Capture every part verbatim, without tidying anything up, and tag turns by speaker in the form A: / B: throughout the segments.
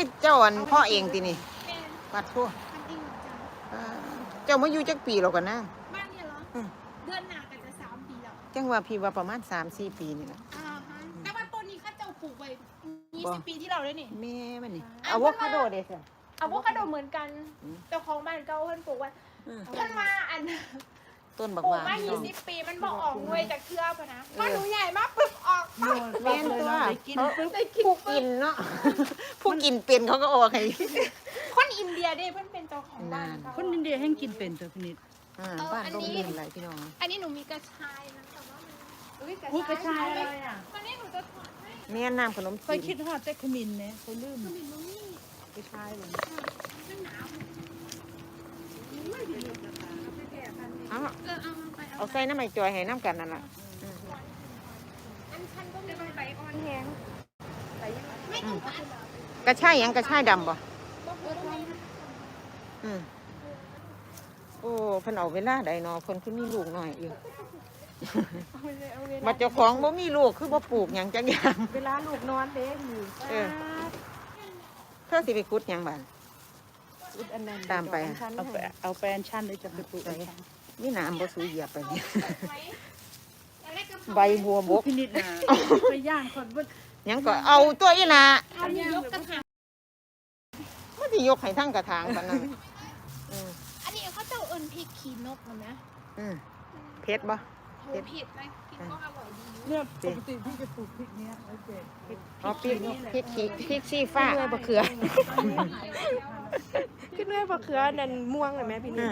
A: คือเจ้าอันพ่อเองตินี่ปัดทั่วเจ้ามาอยู่จักปีแล้วกันนะ
B: บ้านเนี่ยเหรอเดือนหน้าก็จะสามปีแล้ว
A: จังว่าพี่ว่าประมาณสามสี่ปีนี่แหละ
B: อ่าฮะแต่ว่าต้นนี้ข้าเจ้าปลูกไว้ยี่สิบปีที่เราเลยนี่
A: แม่มันนี่อะโวคาโดเด้อ
B: อะโวคาโดเหมือนกันเจ้าของบ้านเก่าเพิ่นปลูกไว้เพิ่นมาอัน
A: ต้นบัก
B: ปลูก
A: หวาน
B: มายี่สิบปีมันบ่ออกหน่วยจากเครือป่ะนะพอหนูใหญ่มากปึ๊บออกปั๊บ
A: แม่นตัวเขา
B: ได้กิน
A: ผู้กินเนาะผู้กินเป็นเขาก็ออกให้
B: คนอินเดียเด้เพิ่นเป็นเจ้าของบ้าน
C: คนอินเดียแห่งกินเป็นตัวพนิด
A: อ่าบ้านร่มรื่นอะไรพี่น้อง
B: อันนี้หนูมีกระชายนะแต่ว่ามัน
C: อุ้ยกระชายอะไรอ่ะ
B: วันนี้หนูจะถอดให้
A: แม่น้ำขนม
C: เคยคิดฮอดแต่ขมิ้นเนี่ยเขาลืม
B: ขมิ้นมันนี่
C: กระชายเลย
B: มันหนาว
A: เอา
B: เออเอาไป
A: เอาใส่น้ำไม้จอยให้น้ำกันนั่นแหละ
B: อันชันก็มีใบอ่อนแห้งไม่ต้องตัด
A: กระชายยังกระชายดำบ่อืมโอ้เพิ่นเอาเวลาใดเนาะเพิ่นคือมีลูกหน่อยอยู่บัดเจ้าของบ่มีลูกคือบ่ปลูกหยังจักอย่าง
C: เวลาลูกนอนเด้อยู่
A: เออเธอสิไปขุดหยังบ้านตามไป
C: เอาไปเอาแปลนชั้นเลยจะไปปลูก
A: นี่น้ำบ่สูเหยียบไปนี่ใบบัวบก
C: พินิจนะไปย่างคนบ่
A: ยังก็เอาตัวอีหล่ะ
B: เอายกกระถาง
A: มันสิยกให้ทั้งกระถางปานนั้น
B: อันนี้เขาเจ้าเอิ้นพริกขี้นกเหรอนะ
A: อืมเผ็ดบ่
B: เผ็ดเผ็ดไหมกินก็อร่อยดี
C: เนี่ยปกติพี่จะปลูกพริกเนี้ยแล้วเจ็ด
A: อ๋อพริกพริกขี้พริกชี้ฟ้าบะเขือ
D: ขึ้นด้วยบะเขือนั่นม่วงเลยไหมพี่นี่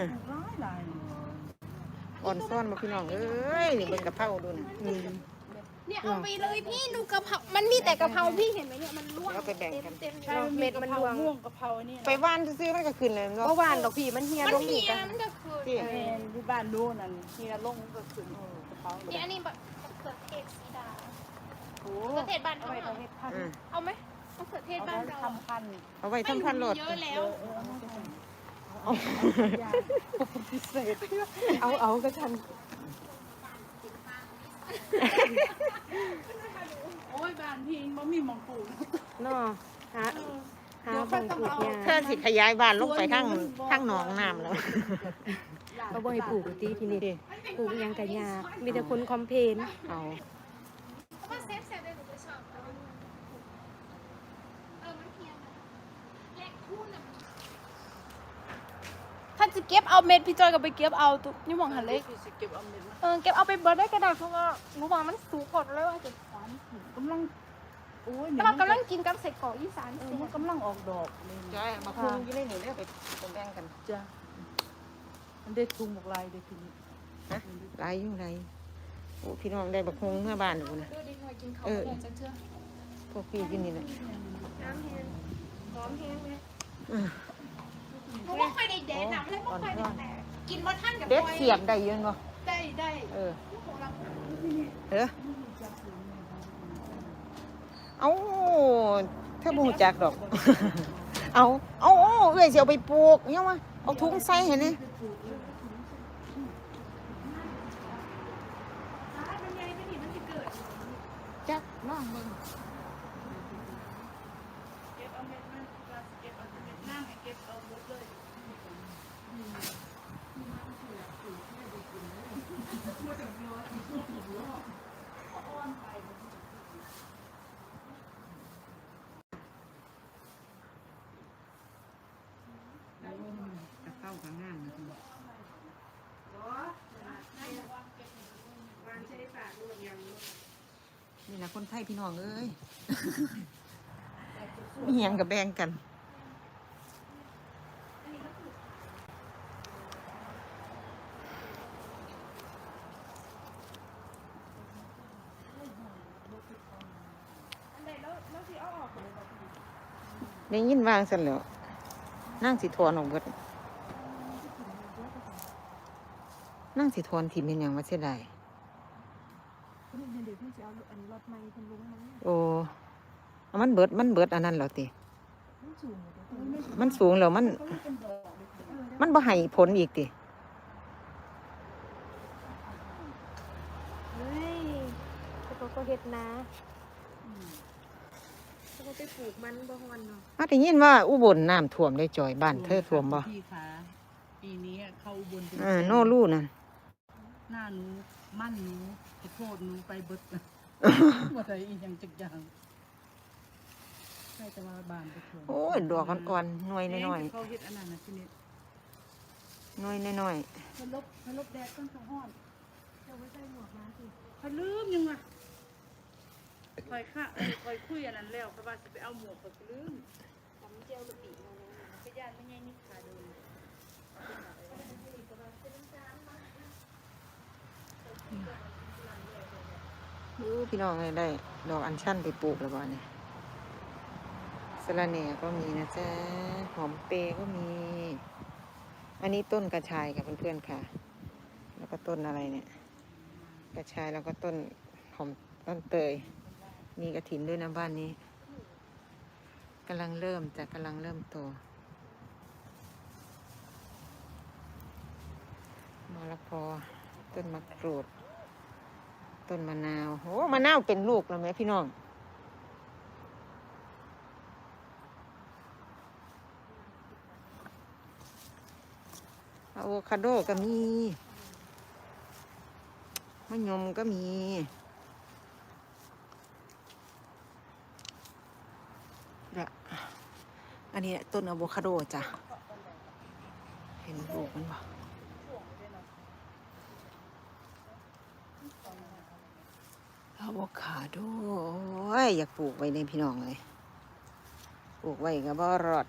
A: อ่อนซ่อนมาพี่น้องเอ้ยนี่เป็นกะเพราดูนะ
B: เนี่ยเอาไปเลยพี่ดูกะเพรามันมีแต่กะเพราพี่เห็นไหมเนี่ยมันร่วง
A: แล้วไปแบ่งกัน
B: เต็ม
D: เม็ดมันรวง
C: ม่วงกะเพราเนี่ย
A: ไปว่านซื้อมันก็ขึ้นเลย
D: เมื่อวานดอกพี่มันเฮียลงอีกกัน
B: มันก็คือ
C: ที่บ้านโน่นนั่นเฮียลงก็ขึ้นกะเพรา
B: เนี่ยอันนี้แบบเขือเทศสีดาโอ้เขือเทศบ้านเขาเอาไหมเอาเขือเทศบ้านเรา
C: ทำพัน
A: เอาไว้ทำพันโหลด
B: เยอะแล้ว
C: พิเศษ
D: เอาเอาก็ทัน
C: โอ้ยบ้านพี่มันมีมองปู
D: เนาะหาหาบังปลูกยา
A: เธอสิขยายบ้านลงไปทั้งทั้งหนองน้ำแล้ว
D: เอาบ่ให้ปลูกตีพี่นี่ปลูกยังกะยามีแต่คนคอมเพลน
A: เอา
B: เซฟเซฟได้หนูจะชอบเออมันเพียงแลกคู่น่ะท่านจะเก็บเอาเม็ดพี่จอยก็ไปเก็บเอาตุ๊นี่มองหันเลย
C: เก็บเอาเม็ด
B: เออเก็บเอาไปเบิร์ดได้กระดาษเพราะว่าหนูว่ามันสูงกดเลยว่าจะสอน
C: กำลังโอ้ย
B: แต่ว่ากำลังกินกับใส่กรอกอีสาน
C: เออมันกำลังออกดอก
A: จอยมาคุงยี่เล่นหนูเรียกไปแบ่งกัน
C: จ้ะมันได้ทุงบอกลายได้ทีนี้
A: ฮะลายยุ่งไรโอ้พี่น้องได้บักฮงเมื่อบ้านหนูนะเออพวกพี่กินนี่แหละ
B: น้ำแห้งหอมแห้งไหมหนูไม่ค่อยได้แดดหนักเลยไม่ค่อยได้แดดกินบนท่านกับ
A: เด็ดเสียบได้ยืนบ่
B: ได้ได้
A: เออเออเอาถ้าบูจักดอกเอาเอาเอ้ยเสียวไปปลูกเนี่ยมาเอาถุงใส่เห็นไหมจักน้องมึงเข้าข้างหน้านะนี่แหละคนไทยพี่น้องเอ้ยมีหยังกับแบ่งกันได้ยินวางเสร็จแล้วนั่งสิทอนออกเบิดนั่งสิทอนถิ่มเป็นอย่างว่าเสียดายโอ้มันเบิดมันเบิดอันนั้นเหรอติมันสูงแล้วมันมันบ่ให้ผลอีกติ
D: เฮ้ยเขาก็เฮ็ดนะเขาบ่ไปปลูกมันบ่ฮอนเนาะ
A: มาได้ยินว่าอุบลน้ำท่วมได้จ่อยบ้านเธอท่วมบ่
C: พี่คะปีนี้เข้าอุบลเป็น
A: อ่าโน่ลู่นั่น
C: หน้าหนูมั่นหนูขอโทษหนูไปเบิดบ่ได้อีหยังจักอย่างใช่แต่ว่าบ้านไปท่วม
A: โอ้ยดอกอ่อนๆหน่วยน้อย
C: เขาเฮ็ดอันนั้นน่ะทีนี้
A: ๆหน่วยน้อย
C: เพิ่นลบเพิ่นลบแดดต้นสะฮ้อน
D: เจ้าบ่ใส่หมวกมาสิ
C: เพิ่นลืมยังวะคอยค่ะเอ้ยคอยคุยอันนั้นแล้วเพราะว่าสิไปเอาหมวกเพิ่นก็ลืม
D: ตำเจียวกะปิมาเลย
C: ไปย่านไม่ใหญ่นี่ขาโดน
A: ๆอู้พี่น้องเอ้ยได้ดอกอัญชันไปปลูกแล้วบ่เนี่ยสะระแหน่ก็มีนะจ๊ะหอมเปรย์ก็มี อันนี้ต้นกระชายค่ะเพื่อนๆค่ะ แล้วก็ต้นอะไรเนี่ย กระชายแล้วก็ต้นหอมต้นเตย มีกระถินด้วยนะบ้านนี้กำลังเริ่มจะกำลังเริ่มโตมะละกอต้นมะกรูด ต้นมะนาวโอ้มะนาวเป็นลูกแล้วไหมพี่น้องอะโวคาโดก็มีมะยมก็มีเดี๋ยวอันนี้ต้นอะโวคาโดจ้ะเห็นลูกมันบ่อะโวคาโดโอ้ยอยากปลูกไว้ในพี่น้องเลยปลูกไว้ก็บ่รอด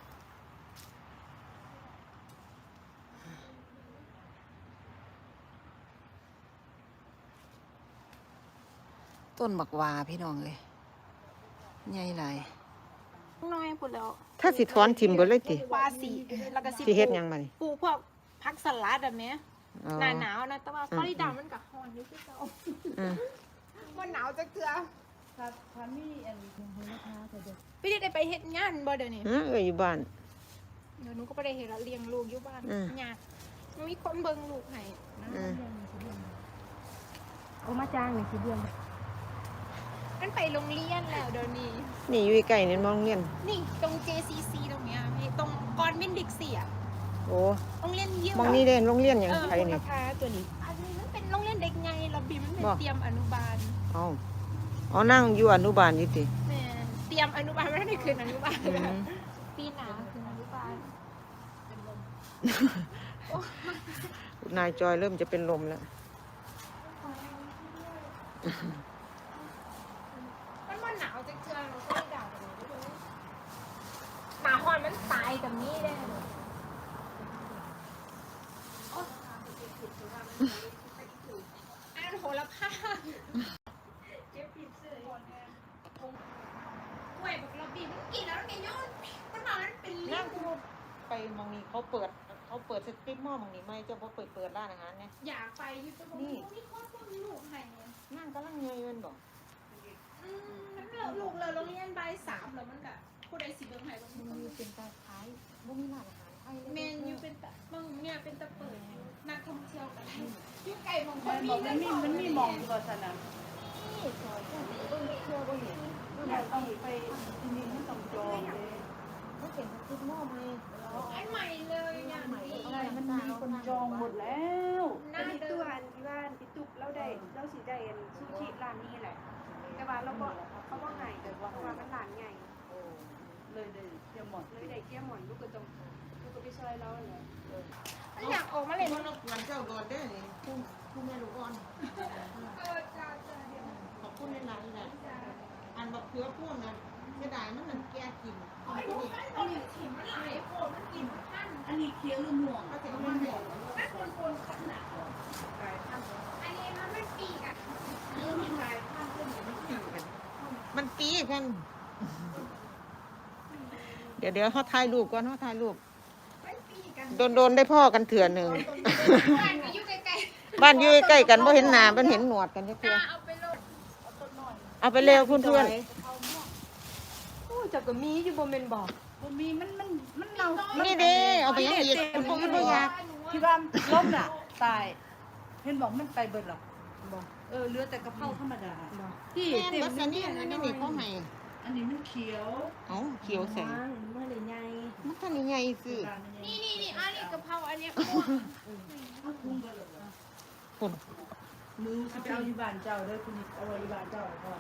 A: ต้นบักวาพี่น้องเลยใหญ่หลาย
B: น้อยพุ่นแล้ว
A: ถ้าสิถอนทิมเบิดเลยติ
B: ปลาสีแล้วก็สิ
A: สิเฮ็ดหยังมานี่
B: ปลูกพวกผักสลัดอะแม่
A: อ๋อ
B: หน้าหนาวนะแต่ว่าฟลอริดามันก็ร้อนอยู่คือเก่า
A: อืม
B: บ่หนาวจักเทื่อ
C: ถ้าถ้ามีอันนี้ของเพิ่นนะคะจะเด้อ
B: ไปได้ไปเฮ็ดงานบ่เดี๋ยวนี้
A: ฮะเอ้ยอยู่บ้าน
B: เดี๋ยวหนูก็บ่ได้เฮ็ดละเลี้ยงลูกอยู่บ้าน
A: อืม
B: ยากมันมีคนเบิ่งลูกให้
A: อืม
D: เอามาจ้างหน่อยสิเดือน
B: มันไปโรงเรียนแล้วเดี๋ยวนี้
A: นี่อยู่ใกล้ๆนี่มองเรียน
B: นี่ตรง เจ ซี ซี ตรงเนี้ยพี่ตรงกอนวินดิกซี่อะ
A: โอ้
B: โรงเรียนเยี่ยม
A: มองนี่เด่นโรงเรียนหยัง
B: เออ
A: ไผนี่
D: ราคาตัวนี้
B: อันนี้มันเป็นโรงเรียนเด็กไงเราบีมันเป็น
A: บ่
B: เตรียมอนุบาล
A: เอ้าอ๋อนั่งอยู่อนุบาลอยู่ติ
B: แม่นเตรียมอนุบาลไม่ได้คืนอนุบาล
A: อืม
B: ปีหนาคืนอนุบาล
A: นายจอยเริ่มจะเป็นลมแล้ว
B: มันมันหนาวจังเจือเราก็ไม่ด่าเลยหนาฮอนมันตายกับนี้ได้เลยโอ๊ยอันโหระพาเจ็บผิดเสื้อกล้วยบอกเราบีบมันกินแล้วมันไงย้อนมันบอกมันเป็นลิ้
A: นั่
B: น
A: งคือไปมองนี่เขาเปิดเขาเปิดสตรีมหม้อมองนี่ไม่เจ้าบ่เปิดเปิดร้านอาหารเนี่ย
B: อยากไปอยู่ตรง
A: นี่
B: นี้นี่โคตรต้นลูกไห้เนี่ย
A: นั่งกำลังเงยเงินบ่
B: อืมมันเลิกลูกเลยโรงเรียนใบายสามแล้วมันก็ผู้ใดสิเบิ่งไห้บาง
A: มัน
B: คน
A: มีเป็นตาขายบ่มีร้านอาหารไทยเลย
B: เมนอยู่เป็นตะบางเนี่ยเป็นตะเปิดนักท่องเที่ยวกันอยู่ไก่บางค
C: มัน น
B: มี
C: บอกมันมีมันมีหมองบ่ซั่นน่ะ
A: นี่ซอยแค่นี้เบิ่งเที่ยวบ่เห็น
C: อยากต้องไปที่นี่มันต้องจองเลย
A: มันเป็นสตรีมหม้อไหม
B: อันใหม่เลยอย่างนี้
C: อะไรมันมีคนจองหมดแล้ว
B: หน้า
D: อันนี้
B: เดิ
D: ตัว
B: ม
D: อันที่ว่าพี่ตุ๊กเราได้เราสิได้อันซูชิร้านนี้แหละ แต่ว่าเราบ่เขาบ่ให้เพราะว่ามันร้านใหญ่
C: เลยได้เดี๋ยวหมด
D: เลยได้เกี้ยหมอนลูกก็ต้องลูกก็ไปช่วยเราเลย
B: มันอยากออกมาเล่น
A: มันรบกวนเจ้าโดนได้นี่ผู้ผู้แม่ลูกอ่อน
B: เออจ้าจ้าเดี๋ยว
A: ขอบคุณหลายๆนะอันบักเขือพ่วงนะเสียดายมันมันแก่กิน
B: ไอ้ลูกไอ้ตัวนี้ถิ่มมันหลายโคตรมันกินท่าน
C: อันนี้เคี้ยวหรือม่วง
A: ก็จะเอามาให้
B: มันคนคนขนาดอันนี้มันไม่ปีกอ่ะ
A: มันปีกันเดี๋ยวเดี๋ยวเขาถ่ายรูปก่อนเขาถ่ายรูป
B: มันปีกัน
A: โดนโดนได้พ่อกันเถื่อหนึ่ง
B: บ้านอยู่ใกล้
A: บ้านอยู่ใกล้กันบ่เห็นหน้ามันเห็นหนวดกันจัก
B: ๆ
A: เทื่อ
B: เอาไปลง
A: เอาไปเร็วเพื่อนเพื่อน
D: โอ้จักก็มีอยู่บ่แม่นบ่
C: บ่มีมันมันมันเน่า
A: ๆนี่เด้เอาไปยังอีกพวกมันบ่อยาก
C: ที่ว่าล้มน่ะตายเห็นบอกมันไปเบิดหรอ
D: บ่
C: เออเหลือแต่กะเพราธรรมดาที่
A: แม่น
C: เต็ม
A: บัสนี่อันนี้นี่เขาให้
C: อันนี้มันเขียว
A: เอ้าเขียวแสง
D: เมื่อไหร่ไง
A: มันทันได้ใหญ่ซื้อ
B: นี่นี่นี่อันนี้กะเพราอันนี้ม่วง
A: พุ่น
C: หนูสิไปเอาอยู่บ้านเจ้าเด้อคุณเอาไว้อยู่บ้านเจ้าก่อน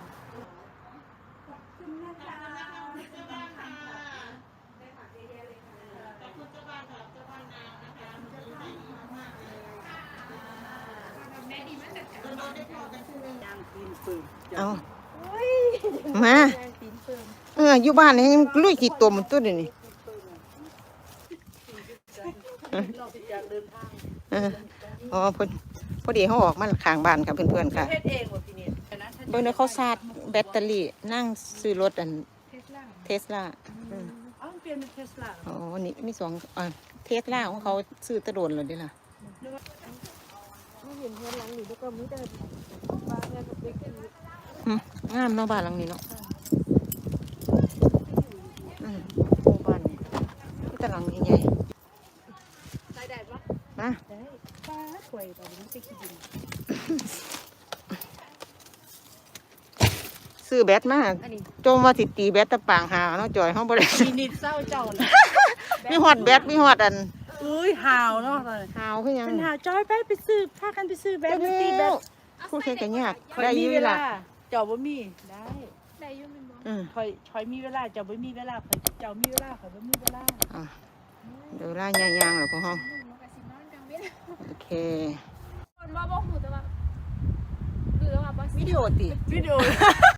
B: แม่ดีมากจัดการ
C: ย่างกินปืน
A: เอามาเอออยู่บ้านนี่ยังลุยขี้ตมตัวเดี๋ยวนี้
C: เราสิจากเดินทาง
A: เอออ๋อพอพอดีเขาออกมาข้างบ้านค่ะเพื่อนๆค่ะ
C: เฮ็ดเองบ่พี่นี่
A: เบิ่งเด้อเขาชาร์จแบตเตอรี่นั่งซื้อรถอัน
B: เทสลา
A: เทสลา
C: เอ้าเปลี่ยนเป็นเทสลา
A: อ๋อนี่มีสองอ่าเทสลาของเขาซื้อตะโดนเลยเด้ล่ะ
D: ไม่เห็นเพื่อนหลังหนูแล้วก็ไม่ได้บ้านแล้วก็ไปกิน
A: หึงามเนาะบ้านหลังนี้เนาะอืมโอ้บ้านนี่แต่หลังใหญ่
D: ได้ได้ปะ
A: ๆมา
D: ได้ป้าถวยแต่ไม่ไปกินดิน
A: ซื้อแบตมา
D: อันนี้
A: จมว่าสิตีแบตตะปางหาเนาะจอยเฮาบ่ได้
C: มีนิดเศร้าเจ้านะ
A: มีฮอดแบตมีฮอดอัน
C: อุ้ยหาวเนาะเลย
A: หาวคือหยัง
C: เป็นหาวจอยไปไปซื้อพากันไปซื้อแบตมาตีแบต
A: พูดแค่กันยาก
C: คอย
A: ได้อ
C: มี
A: ยู่
C: เว
A: ล่ะ
C: ลาเจ้าบ่มีได้
B: ได้ยุ่งเป็นบ่
A: อืม
C: คอยคอยมีเวลาเจ้าบ่มีเวลาคอยเจ้ามีเวลาคอยบ่มีเวลา
A: อ่ะเดี๋ยวล่ายางๆแล้วพวกเฮา
B: หนูมันก็สินอนกลางเว้น
A: โอเค
B: คนบ่บ่หูแต่ว่าหรือว่าบ่
A: วิดีโอติ
C: วิดีโอ